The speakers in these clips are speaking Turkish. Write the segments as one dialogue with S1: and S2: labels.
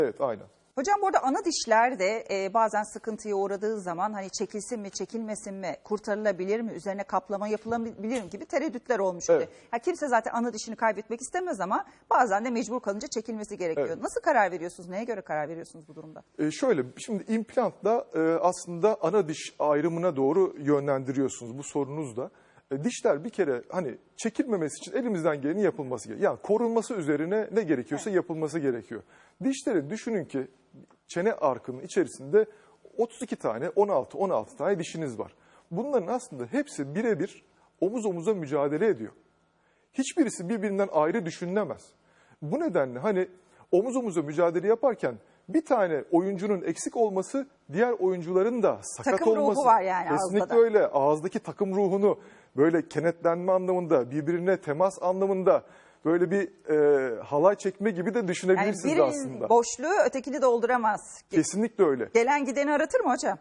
S1: Evet, aynen.
S2: Hocam bu arada ana dişler de bazen sıkıntıya uğradığı zaman hani çekilsin mi çekilmesin mi, kurtarılabilir mi, üzerine kaplama yapılabilir mi gibi tereddütler olmuş.
S1: Evet.
S2: Kimse zaten ana dişini kaybetmek istemez ama bazen de mecbur kalınca çekilmesi gerekiyor.
S1: Evet.
S2: Nasıl karar veriyorsunuz? Neye göre karar veriyorsunuz bu durumda?
S1: Şöyle, şimdi implantla aslında ana diş ayrımına doğru yönlendiriyorsunuz bu sorunuzda. Dişler bir kere hani çekilmemesi için elimizden geleni yapılması gerekiyor. Yani korunması üzerine ne gerekiyorsa yapılması gerekiyor. Dişleri düşünün ki çene arkının içerisinde 32 tane, 16 tane dişiniz var. Bunların aslında hepsi birebir omuz omuza mücadele ediyor. Hiçbirisi birbirinden ayrı düşünülemez. Bu nedenle hani omuz omuza mücadele yaparken bir tane oyuncunun eksik olması diğer oyuncuların da sakat
S2: Takım ruhu
S1: olması.
S2: var yani
S1: Kesinlikle
S2: ağızda da.
S1: öyle. Ağızdaki takım ruhunu böyle kenetlenme anlamında, birbirine temas anlamında böyle bir halay çekme gibi de
S2: Yani
S1: düşünebilirsiniz
S2: birinin
S1: aslında.
S2: boşluğu ötekini dolduramaz.
S1: Kesinlikle öyle.
S2: Gelen gideni aratır mı hocam?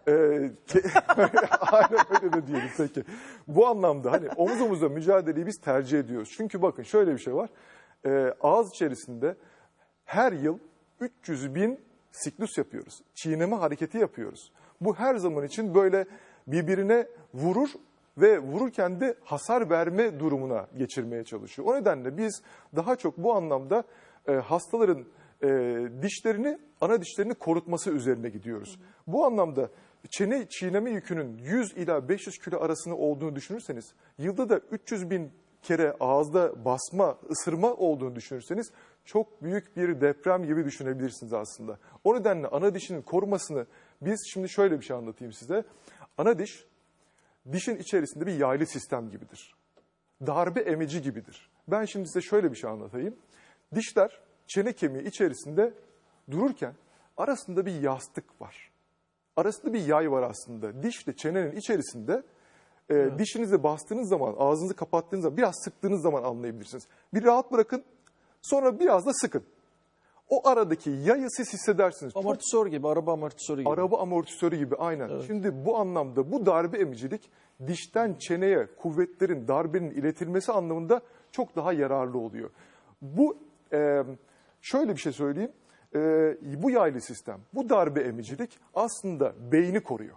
S1: Aynen öyle de diyelim peki. Bu anlamda hani omuz omuza mücadeleyi biz tercih ediyoruz. Çünkü bakın şöyle bir şey var. Ağız içerisinde her yıl 300.000 siklus yapıyoruz. Çiğneme hareketi yapıyoruz. Bu her zaman için böyle birbirine vurur ve vururken de hasar verme durumuna geçirmeye çalışıyor. O nedenle biz daha çok bu anlamda hastaların dişlerini, ana dişlerini korutması üzerine gidiyoruz. Bu anlamda çene çiğneme yükünün 100 ila 500 kilo arasında olduğunu düşünürseniz, yılda da 300.000 kere ağızda basma, ısırma olduğunu düşünürseniz çok büyük bir deprem gibi düşünebilirsiniz aslında. O nedenle ana dişinin korumasını biz şimdi şöyle bir şey anlatayım size. Ana diş, dişin içerisinde bir yaylı sistem gibidir. Darbe emici gibidir. Ben şimdi size şöyle bir şey anlatayım. Dişler çene kemiği içerisinde dururken arasında bir yastık var. Arasında bir yay var aslında. Dişle çenenin içerisinde dişinize bastığınız zaman, ağzınızı kapattığınız zaman, biraz sıktığınız zaman anlayabilirsiniz. Bir rahat bırakın, sonra biraz da sıkın. O aradaki yayı siz hissedersiniz.
S3: Amortisör gibi, araba amortisörü gibi.
S1: Araba amortisörü gibi aynen.
S3: Evet.
S1: Şimdi bu anlamda bu darbe emicilik dişten çeneye kuvvetlerin, darbenin iletilmesi anlamında çok daha yararlı oluyor. Bu şöyle bir şey söyleyeyim. Bu yaylı sistem, bu darbe emicilik aslında beyni koruyor.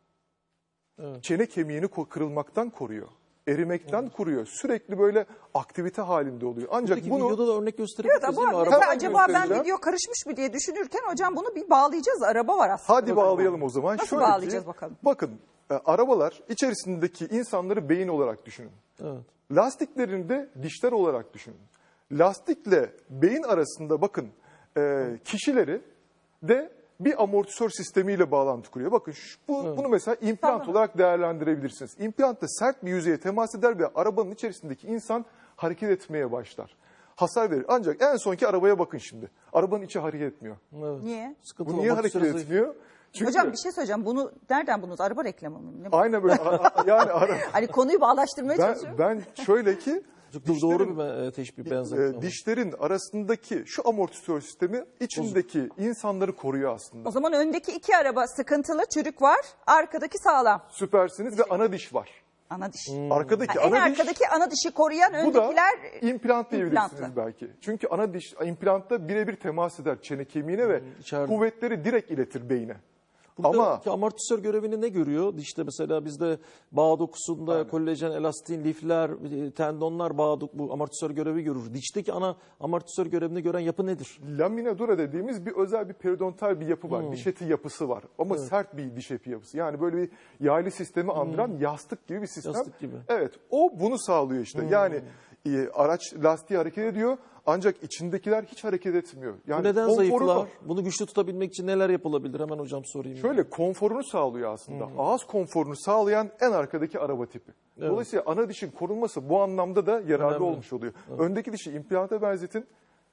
S3: Evet.
S1: Çene kemiğini kırılmaktan koruyor. Erimekten koruyor. Sürekli böyle aktivite halinde oluyor. Ancak
S3: Peki
S1: bunu
S3: videoda da örnek gösterebiliriz
S2: Evet
S3: değil mi?
S2: ama
S3: Araba
S2: mesela acaba ben
S1: göstereceğim.
S2: video karışmış mı diye düşünürken hocam bunu bir bağlayacağız. Araba var aslında.
S1: hadi bağlayalım o zaman.
S2: Nasıl
S1: Şöyle ki,
S2: bağlayacağız bakalım?
S1: Bakın arabalar içerisindeki insanları beyin olarak düşünün.
S3: Evet.
S1: Lastiklerini de dişler olarak düşünün. Lastikle beyin arasında bakın kişileri de bir amortisör sistemiyle bağlantı kuruyor. Bakın bunu mesela implant olarak değerlendirebilirsiniz. İmplant da sert bir yüzeye temas eder ve arabanın içerisindeki insan hareket etmeye başlar. Hasar verir. Ancak en sonki arabaya bakın şimdi. Arabanın içi hareket etmiyor.
S3: Evet.
S2: Niye?
S3: Sıkıntılı,
S1: Bu niye hareket
S3: amortisörü zayıf.
S1: etmiyor? Çünkü
S2: Hocam bir şey söyleyeceğim. Bunu nereden buldunuz? Araba reklamı mı? Ne bu?
S1: aynen böyle yani
S2: Hani konuyu bağlaştırmaya çalışıyorum.
S1: ben şöyle ki
S3: Çok doğru bir teşbih benzetme.
S1: dişlerin arasındaki şu amortisör sistemi içindeki insanları koruyor aslında.
S2: O zaman öndeki iki araba sıkıntılı, çürük var. Arkadaki sağlam.
S1: Süpersiniz ve ana diş var.
S2: Ana diş.
S1: Arkadaki
S2: En
S1: ana diş,
S2: arkadaki ana dişi koruyan
S1: bu da
S2: öndekiler
S1: implant diyebilirsiniz
S2: implantlı.
S1: belki. Çünkü ana diş implantta birebir temas eder çene kemiğine ve
S3: içeride.
S1: kuvvetleri direkt iletir beyne.
S3: Buradaki
S1: Ama
S3: amortisör görevini ne görüyor? Dişte mesela bizde bağ dokusunda kolajen, elastin, lifler, tendonlar bu amortisör görevi görür. Dişteki ana amortisör görevini gören yapı nedir?
S1: lamina dura dediğimiz bir özel bir periodontal bir yapı var. Diş eti yapısı var. Ama sert bir diş eti yapısı. Yani böyle bir yaylı sistemi andıran yastık gibi bir sistem.
S3: Yastık gibi.
S1: Evet, o bunu sağlıyor işte. Yani araç lastiği hareket ediyor ancak içindekiler hiç hareket etmiyor. Yani
S3: Bu neden
S1: konforunu-
S3: zayıflar? Bunu güçlü tutabilmek için neler yapılabilir? Hemen hocam sorayım.
S1: Şöyle konforunu sağlıyor aslında. Ağız konforunu sağlayan en arkadaki araba tipi. Dolayısıyla ana dişin korunması bu anlamda da yararlı
S3: Önemli.
S1: olmuş oluyor. Öndeki dişi implanta benzetin.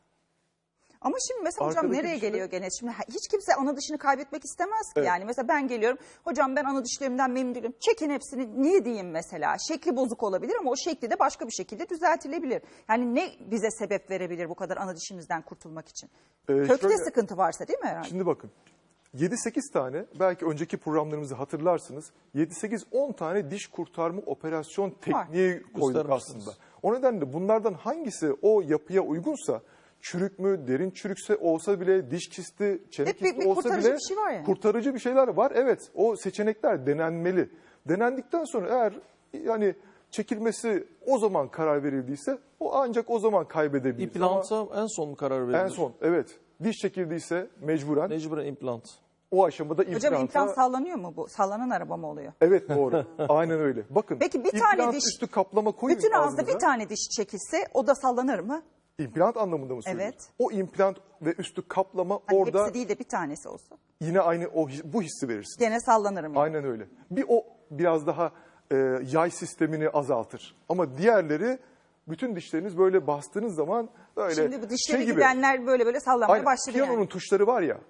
S2: Ama şimdi mesela hocam
S1: Arkadaki
S2: nereye
S1: dişleri-
S2: geliyor gene? Şimdi hiç kimse ana dişini kaybetmek istemez ki.
S1: Evet.
S2: Yani mesela ben geliyorum. Hocam ben ana dişlerimden memnun değilim. Çekin hepsini. Niye diyeyim mesela? Şekli bozuk olabilir ama o şekli de başka bir şekilde düzeltilebilir. Yani ne bize sebep verebilir bu kadar ana dişimizden kurtulmak için? Kökte
S1: şöyle-
S2: sıkıntı varsa değil mi herhalde?
S1: Şimdi bakın 7-8 tane belki önceki programlarımızı hatırlarsınız. 7-8-10 tane diş kurtarma operasyon tekniği koyduk
S3: Göstermişsiniz.
S1: aslında. O nedenle bunlardan hangisi o yapıya uygunsa çürük mü, derin çürükse olsa bile, diş kisti, çene
S2: Hep
S1: kisti
S2: bir
S1: olsa
S2: kurtarıcı
S1: bile
S2: bir şey var yani.
S1: kurtarıcı bir şeyler var. Evet, o seçenekler denenmeli. Denendikten sonra eğer yani çekilmesi o zaman karar verildiyse o ancak o zaman kaybedebilir.
S3: İmplanta en son mu karar verilir?
S1: En son, evet. Diş çekildiyse mecburen
S3: Mecburen implant.
S1: o aşamada
S2: Hocam
S1: implanta...
S2: implant sallanıyor mu bu? Sallanan araba mı oluyor?
S1: Evet, doğru. Aynen öyle. Bakın,
S2: Peki bir tane
S1: implant
S2: diş-
S1: üstü kaplama koyun
S2: Bütün ağızda
S1: ağzınıza.
S2: bir tane diş çekilse o da sallanır mı?
S1: İmplant anlamında mı söylüyorsun?
S2: Evet.
S1: O implant ve üstü kaplama
S2: Hani
S1: orada
S2: hepsi değil de bir tanesi olsa.
S1: yine aynı bu hissi verirsin.
S2: Gene sallanırım yani.
S1: Aynen öyle. O biraz daha yay sistemini azaltır. Ama diğerleri bütün dişleriniz böyle bastığınız zaman böyle
S2: Şimdi bu dişleri
S1: gibi.
S2: gidenler böyle sallamaya
S1: Aynen,
S2: başladı
S1: piyanonun
S2: yani.
S1: tuşları var ya,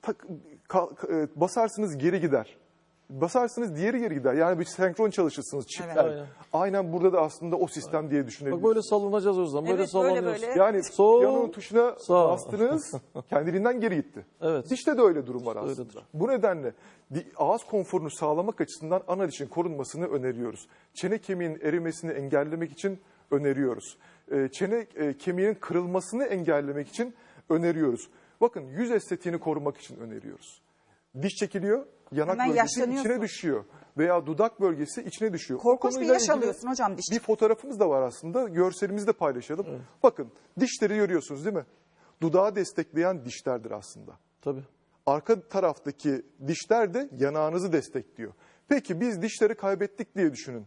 S1: basarsınız geri gider. Basarsınız diğeri geri gider. Yani bir senkron çalışırsınız çiftler.
S3: Evet.
S1: Aynen burada da aslında o sistem diye düşünebilirsiniz.
S3: Bak böyle sallanacağız o zaman. Böyle
S2: Evet, böyle
S3: sallanıyoruz.
S2: böyle.
S1: Yani
S3: Sol,
S1: piyanonun tuşuna
S3: sağ.
S1: bastınız, kendiliğinden geri gitti.
S3: Evet.
S1: Dişte de öyle durum var aslında.
S3: Öyledir.
S1: Bu nedenle ağız konforunu sağlamak açısından ana dişin korunmasını öneriyoruz. Çene kemiğinin erimesini engellemek için öneriyoruz. Çene kemiğinin kırılmasını engellemek için öneriyoruz. Bakın yüz estetiğini korumak için öneriyoruz. Diş çekiliyor, yanak
S2: Hemen
S1: bölgesi
S2: yaşlanıyorsun.
S1: içine düşüyor. Veya dudak bölgesi içine düşüyor. O
S2: Korkunç bir
S1: konuyla
S2: yaş
S1: ilgili
S2: alıyorsun hocam diş
S1: bir fotoğrafımız da var aslında. Görselimizi de paylaşalım. Bakın dişleri görüyorsunuz değil mi? Dudağı destekleyen dişlerdir aslında.
S3: Tabii.
S1: Arka taraftaki dişler de yanağınızı destekliyor. Peki biz dişleri kaybettik diye düşünün.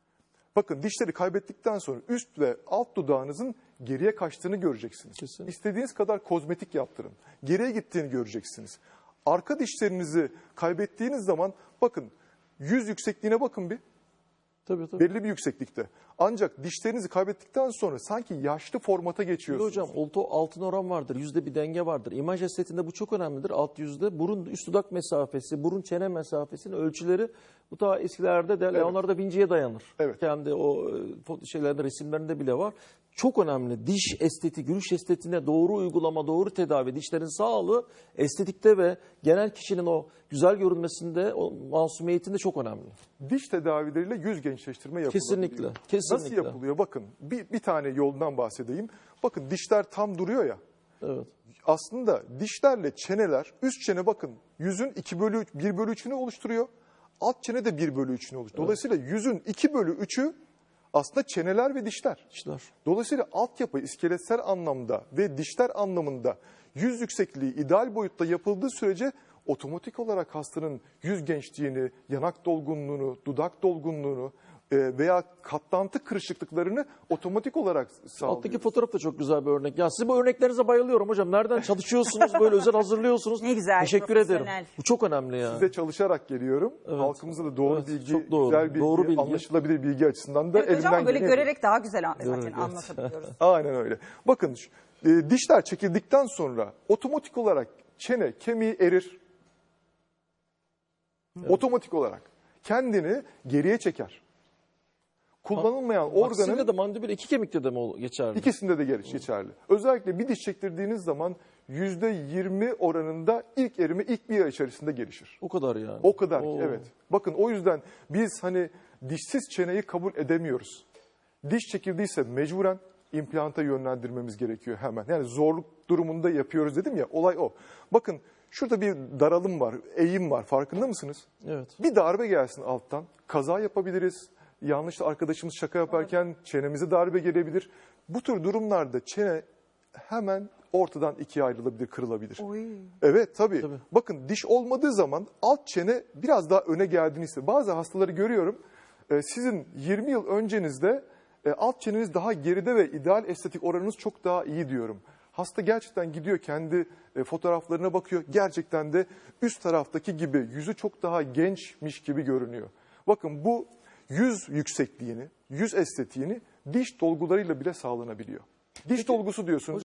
S1: Bakın dişleri kaybettikten sonra üst ve alt dudağınızın geriye kaçtığını göreceksiniz.
S3: Kesinlikle.
S1: İstediğiniz kadar kozmetik yaptırın. Geriye gittiğini göreceksiniz. Arka dişlerinizi kaybettiğiniz zaman bakın yüz yüksekliğine bakın bir.
S3: Tabii.
S1: Belli bir yükseklikte. Ancak dişlerinizi kaybettikten sonra sanki yaşlı formata
S3: Şimdi
S1: geçiyorsunuz.
S3: hocam altın oran vardır. Yüzde bir denge vardır. İmaj estetiğinde bu çok önemlidir. Alt yüzde burun üst dudak mesafesi, burun çene mesafesinin ölçüleri bu ta eskilerde de Leonardo da Vinci'ye dayanır.
S1: Evet.
S3: Kendi o şeylerde resimlerinde bile var. Çok önemli. Diş estetiği, gülüş estetiğine doğru uygulama, doğru tedavi, dişlerin sağlığı estetikte ve genel kişinin o güzel görünmesinde, o masumiyetinde çok önemli.
S1: Diş tedavileriyle yüz gençleştirme yapılabiliyor.
S3: Kesinlikle, kesinlikle.
S1: Nasıl yapılıyor? Bakın bir tane yoldan bahsedeyim. Bakın dişler tam duruyor ya.
S3: Evet.
S1: Aslında dişlerle çeneler, üst çene bakın yüzün 1/3'ünü oluşturuyor. Alt çene de 1/3'ünü oluşturuyor. Dolayısıyla yüzün 2/3'ü aslında çeneler ve dişler.
S3: İşler.
S1: Dolayısıyla altyapı iskeletsel anlamda ve dişler anlamında yüz yüksekliği ideal boyutta yapıldığı sürece otomatik olarak hastanın yüz gençliğini, yanak dolgunluğunu, dudak dolgunluğunu veya katlantı kırışıklıklarını otomatik olarak sağlıyor.
S3: Alttaki fotoğraf da çok güzel bir örnek. Ya sizin bu örneklerinize bayılıyorum hocam. Nereden çalışıyorsunuz, böyle özel hazırlıyorsunuz.
S2: Ne güzel,
S3: Teşekkür
S2: profesyonel.
S3: ederim. Bu çok önemli ya.
S1: Size çalışarak geliyorum. Halkımıza da doğru
S3: Evet,
S1: bilgi,
S3: çok doğru.
S1: güzel bilgi,
S3: Doğru bilgi.
S1: anlaşılabilir bilgi açısından da
S2: Evet hocam
S1: elimden
S2: ama böyle
S1: geleni
S2: görerek daha güzel zaten
S3: evet.
S2: anlatabiliyoruz.
S1: Aynen öyle. Bakın dişler çekildikten sonra otomatik olarak çene kemiği erir. Otomatik olarak kendini geriye çeker. Kullanılmayan
S3: Organın
S1: organın
S3: de mandibül iki kemikte de mi geçerli?
S1: ikisinde de geçerli. Özellikle bir diş çektirdiğiniz zaman %20 oranında ilk erime ilk bir ay içerisinde gelişir.
S3: O kadar yani.
S1: O kadar ki
S3: Oo.
S1: evet. Bakın o yüzden biz hani dişsiz çeneyi kabul edemiyoruz. Diş çekildiyse mecburen implanta yönlendirmemiz gerekiyor hemen. Yani zorluk durumunda yapıyoruz dedim ya, olay o. Bakın şurada bir daralım var, eğim var, farkında mısınız?
S3: Evet.
S1: Bir darbe gelsin alttan, kaza yapabiliriz. Yanlış arkadaşımız şaka yaparken çenemize darbe gelebilir. Bu tür durumlarda çene hemen ortadan ikiye ayrılabilir, kırılabilir.
S2: Oy.
S1: Evet tabii.
S3: Tabii.
S1: Bakın diş olmadığı zaman alt çene biraz daha öne geldiğini hissediyor. Bazı hastaları görüyorum. Sizin 20 yıl öncenizde alt çeneniz daha geride ve ideal estetik oranınız çok daha iyi diyorum. Hasta gerçekten gidiyor kendi fotoğraflarına bakıyor. Gerçekten de üst taraftaki gibi yüzü çok daha gençmiş gibi görünüyor. Bakın bu yüz yüksekliğini, yüz estetiğini diş dolgularıyla bile sağlanabiliyor. Diş dolgusu diyorsunuz.